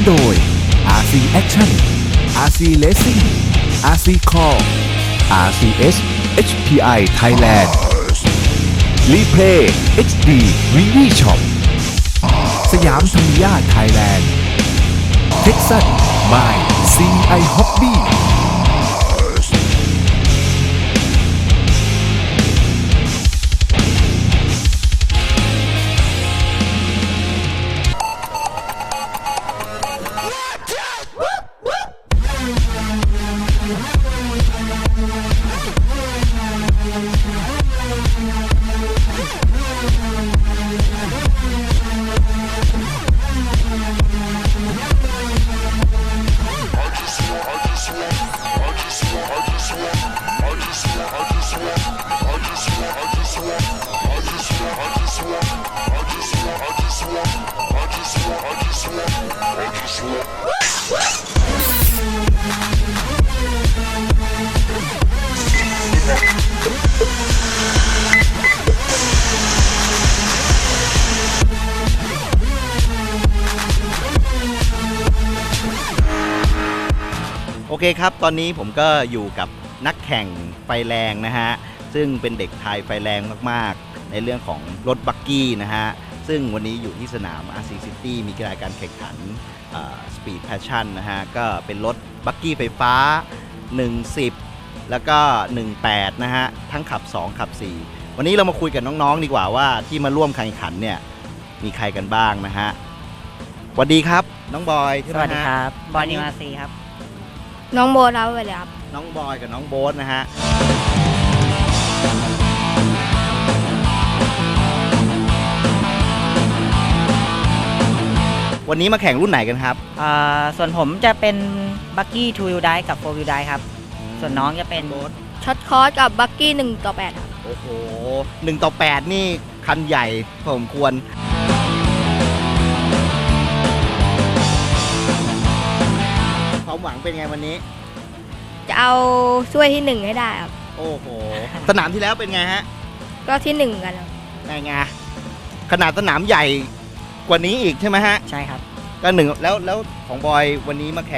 โดย RC Action RC Racing RC Core RCS HPI Thailand Replay HD VV Shop สยามธรรมยาไทยแลนด์ Texas by CI Hobby โอเคครับตอนนี้ผมก็อยู่กับนักแข่งไฟแรงนะฮะซึ่งเป็นเด็กไทยไฟแรงมากๆในเรื่องของรถบักกี้นะฮะซึ่งวันนี้อยู่ที่สนาม RC City มีกีฬาการแข่งขันSpeed Passion นะฮะก็เป็นรถบักกี้ไฟฟ้า 110 แล้วก็ 18 นะฮะทั้งขับ 2 ขับ 4 วันนี้เรามาคุยกับน้องๆดีกว่าว่าที่มาร่วมแข่งขันเนี่ยมีใครกันบ้างนะฮะสวัสดีครับน้องบอยใช่ไหมสวัสดีฮะครับบอยนิวอาซีครับน้องโบทครับสวัสดีครับน้องบอยกับน้องโบ๊ทนะฮะวันนี้มาแข่งรุ่นไหนกันครับส่วนผมจะเป็นบักกี้2 wheel drive กับ4 wheel drive ครับ ส่วนน้องจะเป็นโบ๊ทช็อตคอร์สกับบักกี้1/8ครับโอ้โห1/8นี่คันใหญ่พอสมควรความหวังเป็นไงวันนี้จะเอาช่วยที่ 1 ให้ได้ครับโอ้โหสนามที่แล้วเป็นไงฮะก็ที่ 1 กันครับไงขนาดสนามใหญ่กว่านี้อีกใช่ไหมฮะใช่ครับก็หนึ่งแล้วของบอยวันนี้มาแข่ง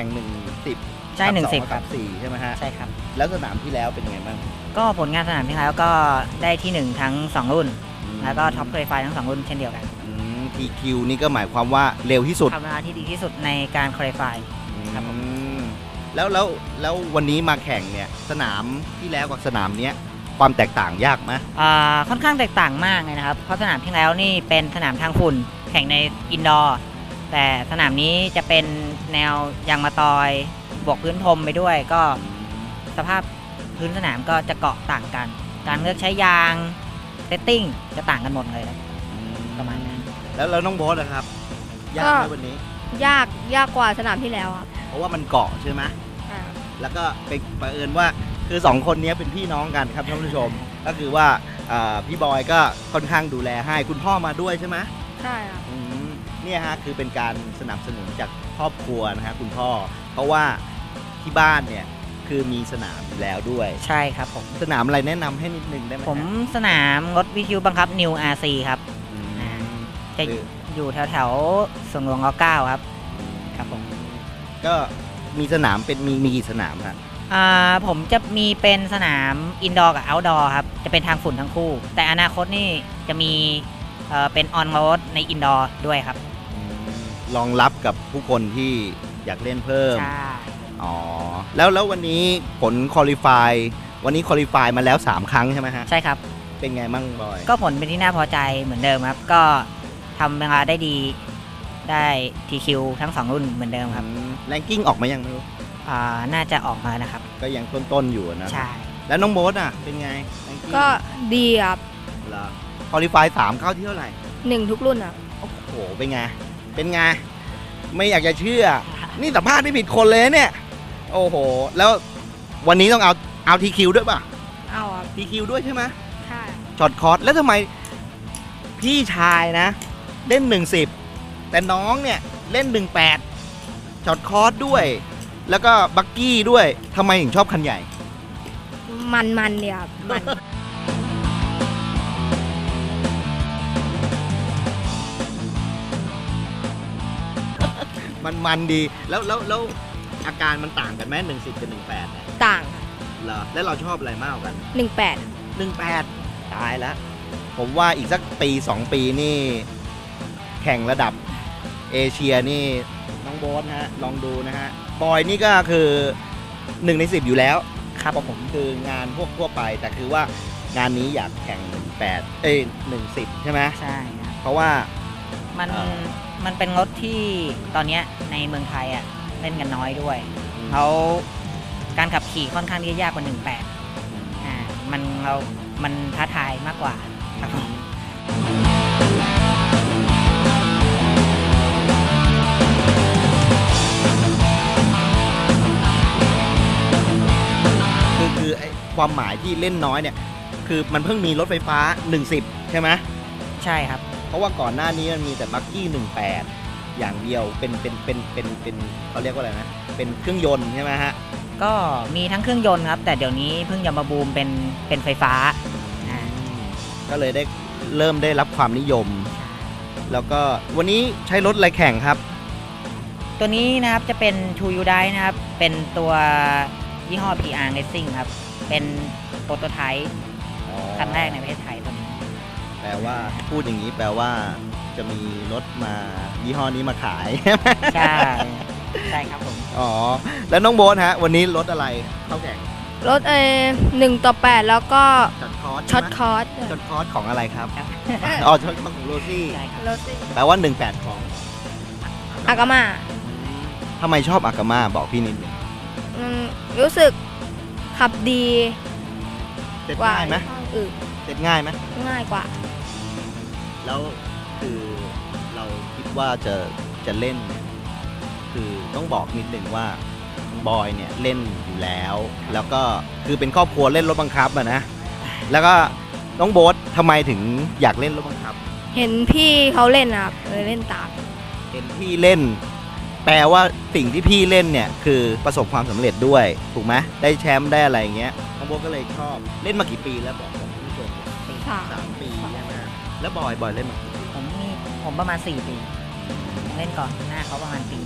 110 ใช่ 110 ครับ 4ใช่ไหมฮะใช่ครับแล้วสนามที่แล้วเป็นไงบ้างก็ผลงานสนามที่แล้วก็ได้ที่ 1 ทั้ง 2 รุ่น แล้วก็ท็อปคอลิฟายทั้ง 2 รุ่นเช่นเดียวกัน TQ นี่ก็หมายความว่าเร็วที่สุดทำเวลาที่ดีที่สุดในการคอลิฟาย ครับผมแล้ววันนี้มาแข่งเนี่ยสนามที่แล้วกับสนามเนี้ยความแตกต่างยากไหมค่อนข้างแตกต่างมากเลยนะครับ เพราะสนามที่แล้วนี่เป็นสนามทางฝุ่นแข่งในอินดอร์ แต่สนามนี้จะเป็นแนวยางมะตอยบวกพื้นพรมไปด้วย ก็สภาพพื้นสนามก็จะเกาะต่างกัน การเลือกใช้ยางเซตติ้งจะต่างกันหมดเลยครับประมาณนั้นแล้วน้องโบ๊ทนะครับยากไหมวันนี้ยากกว่าสนามที่แล้วครับเพราะว่ามันเกาะใช่ไหมใช่ครับแล้วก็เป็นบังเอิญว่าคือ2คนนี้เป็นพี่น้องกันครับท่านผู้ชม ก็คือว่าพี่บอยก็ค่อนข้างดูแลให้คุณพ่อมาด้วยใช่ไหมใช่ครับเนี่ยฮะคือเป็นการสนับสนุนจากครอบครัวนะฮะคุณพ่อ เพราะว่าที่บ้านเนี่ยคือมีสนามอยู่แล้วด้วยใช่ครับผมสนามอะไรแนะนำให้นิดนึงได้ไหมฮะผมสนามรถวิทยุบังคับ New RC ครับอืมจะคืออยู่แถวๆสวนหลวงร9ครับ ครับผมก็มีสนามเป็นมีกี่สนามฮะผมจะมีเป็นสนามอินดอร์กับเอาท์ดอร์ครับ จะเป็นทางฝุ่นทั้งคู่ แต่อนาคตนี่จะมีเป็นออนโรดในอินดอร์ด้วยครับรองรับกับผู้คนที่อยากเล่นเพิ่มใช่อ๋อแล้ววันนี้ผลคอลิฟายวันนี้คอลิฟายมาแล้ว3ครั้งใช่ไหมฮะใช่ครับเป็นไงมั่งบอยก็ผลเป็นที่น่าพอใจเหมือนเดิมครับ ก็ทำเวลาได้ดีได้ TQ ทั้ง 2 รุ่นเหมือนเดิมครับแรงกิ้งออกมายังไม่รู้น่าจะออกมานะครับก็ยังต้นๆอยู่นะใช่แล้วน้องโบ๊ทอ่ะเป็นไง ranking ก็ดีครับเหรอคอลิฟาย3เข้าที่เท่าไหร่ 1 ทุกรุ่นครับโอ้โหเป็นไงเป็นไงไม่อยากจะเชื่อ นี่สัมภาษณ์ไม่ผิดคนเลยเนี่ยโอ้โหแล้ววันนี้ต้องเอาทีคิวด้วยป่ะเอาครับทีคิวด้วยใช่ไหมใช่ช็อตคอร์สแล้วทำไมพี่ชายนะ เล่น110แต่น้องเนี่ยเล่น18ช็อตคอร์สด้วย แล้วก็บักกี้ด้วยทำไมถึงชอบคันใหญ่มันเนี่ยครับมันมันดีแล้วอาการมันต่างกันไหม10กับ18เนี่ยต่างค่ะเหรอแล้วเราชอบอะไรมากกว่ากัน 18 18ตายแล้วผมว่าอีกสักปี 2 ปีนี่แข่งระดับเอเชียนี่น้องโบ๊ทฮะลองดูนะฮะบอยนี่ก็คือ1 ใน 10อยู่แล้วครับผมคืองานพวกทั่วไปแต่คือว่างานนี้อยากแข่ง10ใช่ไหมใช่ครับเพราะว่ามันเอ่อมันเป็นรถที่ตอนเนี้ยในเมืองไทยอ่ะเล่นกันน้อยด้วยเขาการขับขี่ค่อนข้างที่จะยากกว่า 18มันท้าทายมากกว่าครับผมคือไอ้ความหมายที่เล่นน้อยเนี่ยคือมันเพิ่งมีรถไฟฟ้า10ใช่ไหมใช่ครับเพราะว่าก่อนหน้านี้มันมีแต่บักกี้18อย่างเดียวเป็นเขาเรียกว่าอะไรนะเป็นเครื่องยนต์ใช่ไหมฮะก็มีทั้งเครื่องยนต์ครับ แต่เดี๋ยวนี้เพิ่งจะมาบูมเป็นไฟฟ้าอ่าก็เลยเริ่มได้รับความนิยม แล้วก็วันนี้ใช้รถอะไรแข่งครับตัวนี้นะครับจะเป็น True You Die นะครับ เป็นตัวยี่ห้อ PR Racing ครับ เป็นโปรโตไทป์คันแรกในประเทศไทยตัวนี้แปลว่าพูดอย่างนี้แปลว่าจะมีรถมายี่ห้อนี้มาขายใช่ ใช่ครับผมอ๋อแล้วน้องโบ๊ทฮะวันนี้รถอะไรเข้าแข่งรถ1/8 แล้วก็ช็อตคอร์สช็อตคอร์สช็อตคอร์สของอะไรครับครับอ๋อช็อตคอร์สของโรซี่ใช่ครับรถสิแปลว่า18ของอากามาทำไมชอบอากาม่าบอกพี่นิดหนึงรู้สึกขับดีเสร็จกว่าง่ายไหมยี่ห้ออื่นเสร็จง่ายไหมง่ายกว่าแล้วคือเราคิดว่าจะเล่นเนี่ยคือต้องบอกนิดหนึ่งว่าบอยเนี่ยเล่นอยู่แล้ว แล้วก็คือเป็นครอบครัวเล่นรถบังคับอะนะแล้วก็น้องโบ๊ททำไมถึงอยากเล่นรถบังคับเห็นพี่เขาเล่นนะครับเลยเล่นตามเห็นพี่เล่น แปลว่าสิ่งที่พี่เล่นเนี่ยคือประสบความสำเร็จด้วยถูกไหมได้แชมป์ได้อะไรอย่างเงี้ยน้องโบ๊ทก็เลยชอบเล่นมากี่ปีแล้วบอกคุณผู้ชม 3 ปีใช่ไหมแล้วบอยเล่นมากี่ปีผมประมาณ 4 ปี เล่นก่อนหน้าเขาประมาณปี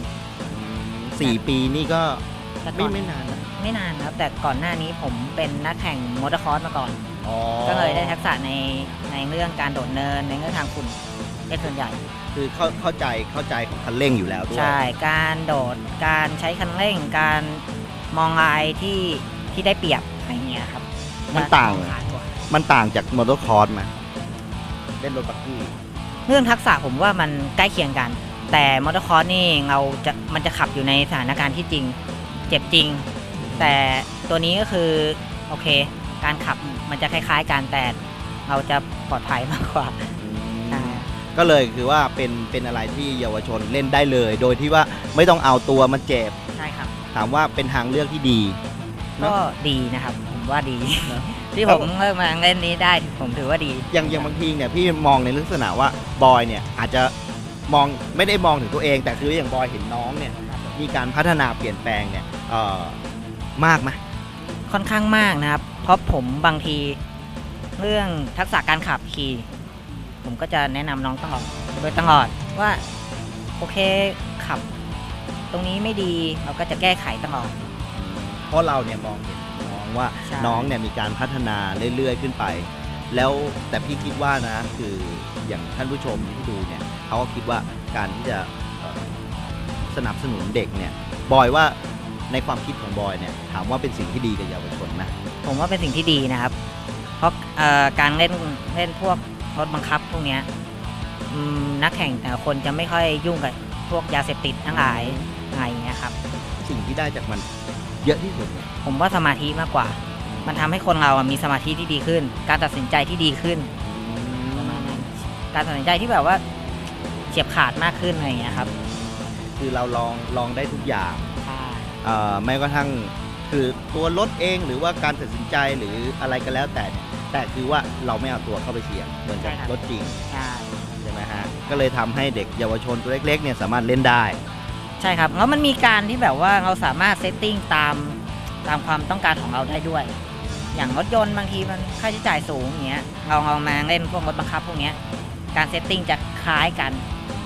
4 ปีนี่ก็แต่ก่อนไม่นานนะไม่นานครับ แต่ก่อนหน้านี้ผมเป็นนักแข่งมอเตอร์คอร์สมาก่อนอ๋อก็เลยได้ทักษะในเรื่องการโดดเนินในเรื่องทางฝุ่นเป็นส่วนใหญ่คือเข้าใจของคันเร่งอยู่แล้วด้วยใช่ การโดด การใช้คันเร่ง การมองลายที่ได้เปรียบอะไรเงี้ยครับมันต่างขกว่ามันต่างจากมอเตอร์คอร์สไหมเล่นรถบักกี้เรื่องทักษะผมว่ามันใกล้เคียงกัน แต่มอเตอร์คอร์สนี่มันจะขับอยู่ในสถานการณ์ที่จริง เจ็บจริง แต่ตัวนี้ก็คือโอเค การขับมันจะคล้ายๆกันแต่เราจะปลอดภัยมากกว่าใช่ก็เลยคือว่าเป็นอะไรที่เยาวชนเล่นได้เลย โดยที่ว่าไม่ต้องเอาตัวมาเจ็บใช่ครับถามว่าเป็นทางเลือกที่ดีก็ดีนะครับ ผมว่าดีเนอะที่ผมเริ่มมาเล่นนี้ได้ผมถือว่าดีอย่างบางทีเนี่ยพี่มองในลักษณะว่าบอยเนี่ยอาจจะมองไม่ได้มองถึงตัวเอง แต่คืออย่างบอยเห็นน้องเนี่ยมีการพัฒนาเปลี่ยนแปลงเนี่ยมากไหมค่อนข้างมากนะครับ เพราะผมบางทีเรื่องทักษะการขับขี่ผมก็จะแนะนำน้องตลอดโดยตลอดว่าโอเคขับ ตรงนี้ไม่ดีเราก็จะแก้ไขตลอดเพราะเราเนี่ยมองเห็นน้องว่าใช่น้องเนี่ยมีการพัฒนาเรื่อยๆขึ้นไป แล้วแต่พี่คิดว่านะคืออย่างท่านผู้ชมที่ดูเนี่ยเขาก็คิดว่าการที่จะสนับสนุนเด็กเนี่ยบอยว่าในความคิดของบอยเนี่ยถามว่าเป็นสิ่งที่ดีกับเยาวชนนะผมว่าเป็นสิ่งที่ดีนะครับ เพราะการเล่นพวกรถบังคับพวกเนี้ยนักแข่งแต่ละคนจะไม่ค่อยยุ่งกับพวกยาเสพติดทั้งหลายอะไรอย่างเงี้ยครับสิ่งที่ได้จากมันเยอะที่สุดเนี่ยผมว่าสมาธิมากกว่า มันทำให้คนเรามีสมาธิที่ดีขึ้น การตัดสินใจที่ดีขึ้นประมาณนั้นการตัดสินใจที่แบบว่าเฉียบขาดมากขึ้นอะไรอย่างเงี้ยครับคือเราลองได้ทุกอย่างใช่แม้กระทั่งคือตัวรถเองหรือว่าการตัดสินใจหรืออะไรก็แล้วแต่เนี่ยแต่คือว่าเราไม่เอาตัวเข้าไปเสี่ยงเหมือนกับรถจริงใช่ใช่ไหมฮะก็เลยทำให้เด็กเยาวชนตัวเล็กๆเนี่ยสามารถเล่นได้ใช่ครับแล้วมันมีการที่แบบว่าเราสามารถเซตติ้งตามความต้องการของเราได้ด้วย อย่างรถยนต์บางทีมันค่าใช้จ่ายสูงอย่างเงี้ยเรามาเล่นพวกรถบังคับพวกเนี้ยการเซตติ้งจะคล้ายกันค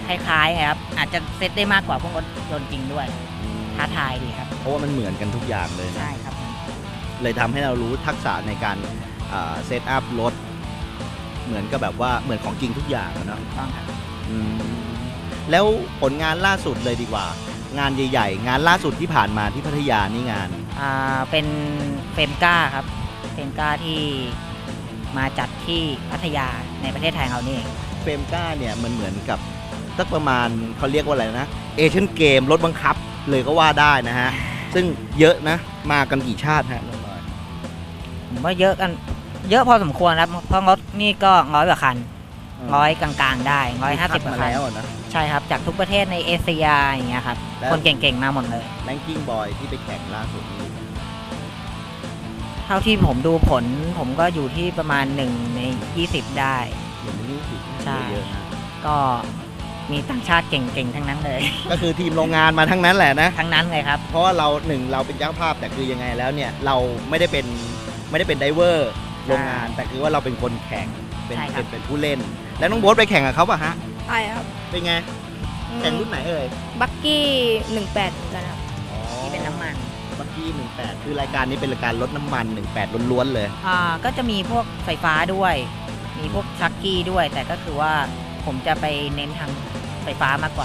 ล้ายๆไงครับ อาจจะเซตได้มากกว่าพวกรถยนต์จริงด้วย ท้าทายดีครับเพราะว่ามันเหมือนกันทุกอย่างเลยนะใช่ครับเลยทำให้เรารู้ทักษะในการเซตอัพรถเหมือนกับแบบว่าเหมือนของจริงทุกอย่างอะเนาะต้องครับอืมแล้วผลงานล่าสุดเลยดีกว่า งานใหญ่ๆ งานล่าสุดที่ผ่านมาที่พัทยานี่งานเป็นเฟรมก้าครับเฟรมก้าที่มาจัดที่พัทยาในประเทศไทยเรานี่เองเฟรมก้าเนี่ยมันเหมือนกับสักประมาณเขาเรียกว่าอะไรนะเอเชียนเกมรถบังคับเลยก็ว่าได้นะฮะ ซึ่งเยอะนะมากันกี่ชาติฮะน้องบอยผมว่าเยอะกันเยอะพอสมควรครับเพราะรถนี่ก็100 กว่าคัน 100 กลางๆ ได้150 กว่ามาคันแล้วอะนะใช่ครับจากทุกประเทศในเอเชียอย่างเงี้ยครับแล้วคนเก่งๆมาหมดเลยแรงกิ้งบอยที่ไปแข่งล่าสุดนี่เท่าที่ผมดูผลผมก็อยู่ที่ประมาณ1 ใน 20 ได้เหมือนนี่สิใช่เยอะนะก็มีต่างชาติเก่งๆ ทั้งนั้นเลยก็คือทีมโรงงานมาทั้งนั้นแหละนะทั้งนั้นเลยครับเพราะว่าเราเราเป็นเจ้าภาพแต่คือยังไงแล้วเนี่ยเราไม่ได้เป็นไดเวอร์โรงงาน แต่คือว่าเราเป็นคนแข่งเป็นใช่ครับเป็นผู้เล่น แล้วน้องโบ๊ทไปแข่งกับเขาป่ะฮะใช่ครับเป็นไงแข่งรุ่นไหนเอ่ยบักกี้ 18เหมือนกันครับที่เป็นน้ำมันบักกี้18คือรายการนี้เป็นรายการลดน้ำมัน18ล้วนๆเลยก็จะมีพวกไฟฟ้าด้วย มีพวกชักกี้ด้วย แต่ก็คือว่าผมจะไปเน้นทางไฟฟ้ามากกว่า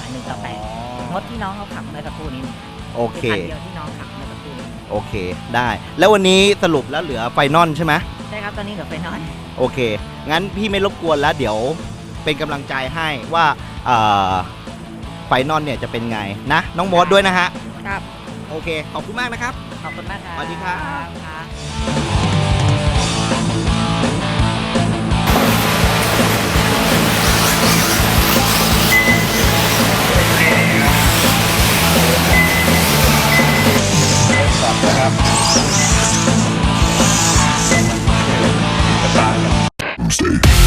1:8รถที่น้องเขาขับเมื่อสักครู่นี้โอเคคันเดียวที่น้องขับเมื่อสักครู่นี้โอเคได้ แล้ววันนี้สรุปแล้วเหลือไฟนอลใช่ไหมใช่ครับตอนนี้เหลือไฟนอลโอเค งั้นพี่ไม่รบกวนแล้วเดี๋ยวเป็นกำลังใจให้ว่าไฟนอลเนี่ยจะเป็นไงนะ น้องโบ๊ทด้วยนะฮะครับโอเค ขอบคุณมากนะครับขอบคุณมากครับสวัสดีครับครับ Stay.